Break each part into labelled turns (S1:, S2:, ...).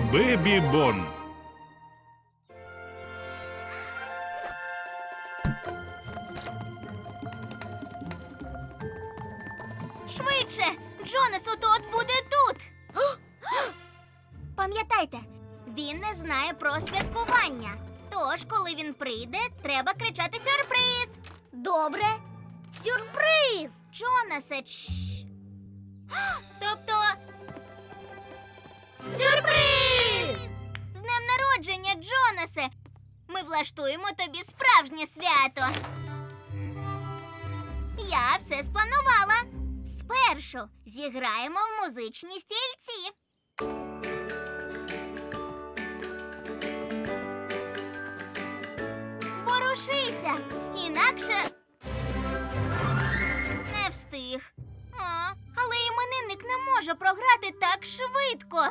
S1: Бебі Бон.
S2: Швидше! Джонас от буде тут! Пам'ятайте, він не знає про святкування. Тож, коли він прийде, треба кричати «Сюрприз!»
S3: Добре. Сюрприз!
S2: Джонасе, чш! Тобто... Сюрприз! З днем народження, Джонасе! Ми влаштуємо тобі справжнє свято. Я все спланувала. Спершу зіграємо в музичні стільці. Ворушися, інакше не встиг. Але іменинник не може програти так швидко.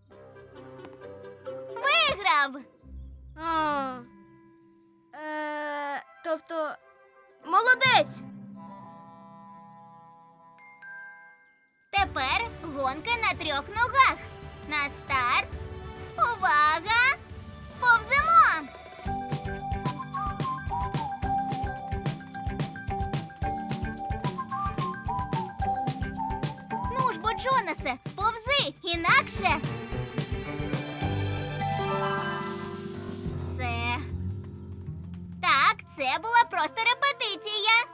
S2: Виграв!
S3: Тобто, молодець!
S2: Тепер гонка на 3 ногах. На старт. Увага! Повземо! Ну ж бо, Джонасе, повзи, інакше. Все. Так, це була просто репетиція.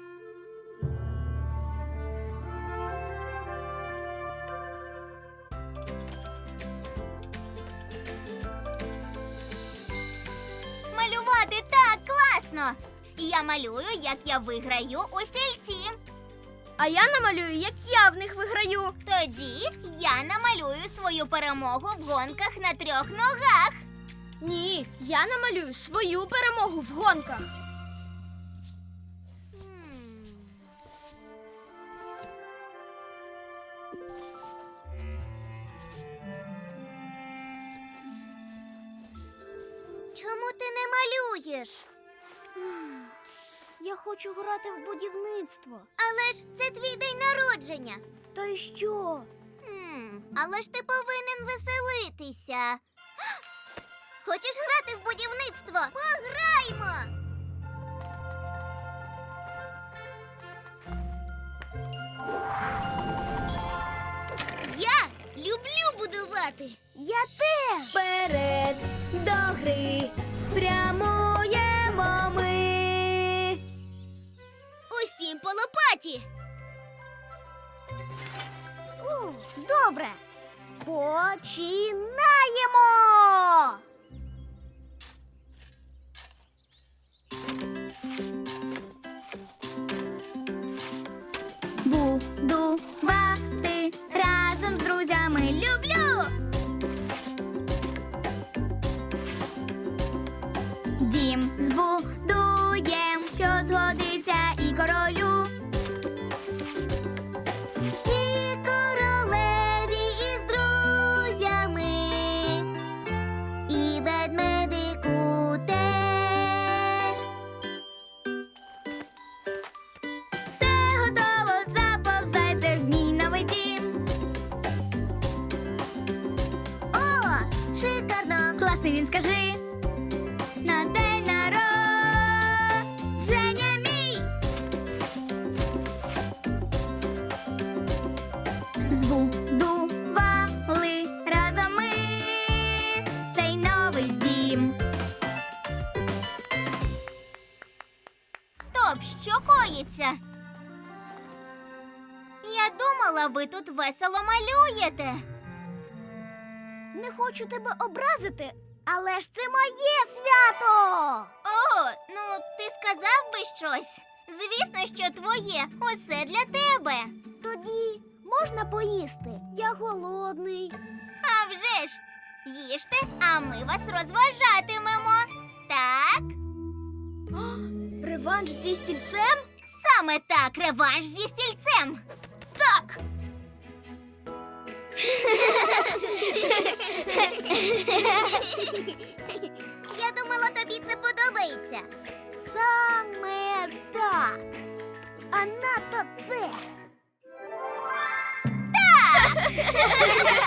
S2: Малювати так класно! Я малюю, як я виграю у стільці.
S3: А я намалюю, як я в них виграю.
S2: Тоді я намалюю свою перемогу в гонках на 3 ногах.
S3: Ні, я намалюю свою перемогу в гонках.
S2: Чому ти не малюєш?
S3: Я хочу грати в будівництво.
S2: Але ж це твій день народження.
S3: Та й що?
S2: Але ж ти повинен веселитися. Хочеш грати в будівництво? Пограймо! Я люблю будувати.
S3: Я теж. Вперед до гри прямуємо ми.
S2: Усім по лопаті.
S3: Добре. Починаємо.
S2: Будувати разом з друзями люблю. Дім збудуєм, що згодиться і королю. І королеві із друзями, і ведмедику теж. Все готово, заповзайте в мій новий дім. О, шикарно! Класний він, скажи. На день народження мій. Збудували разом ми цей новий дім. Стоп, що коїться? Я думала, ви тут весело малюєте.
S3: Не хочу тебе образити, але ж це моє свято.
S2: О, ну ти сказав би щось. Звісно, що твоє. Усе для тебе.
S3: Тоді можна поїсти? Я голодний.
S2: А вже ж, їжте, а ми вас розважатимемо. Так?
S3: Реванш зі стільцем?
S2: Саме так, реванш зі стільцем.
S3: Так.
S2: Я думала, тобі це подобається.
S3: Саме так. А надто це.
S2: Так!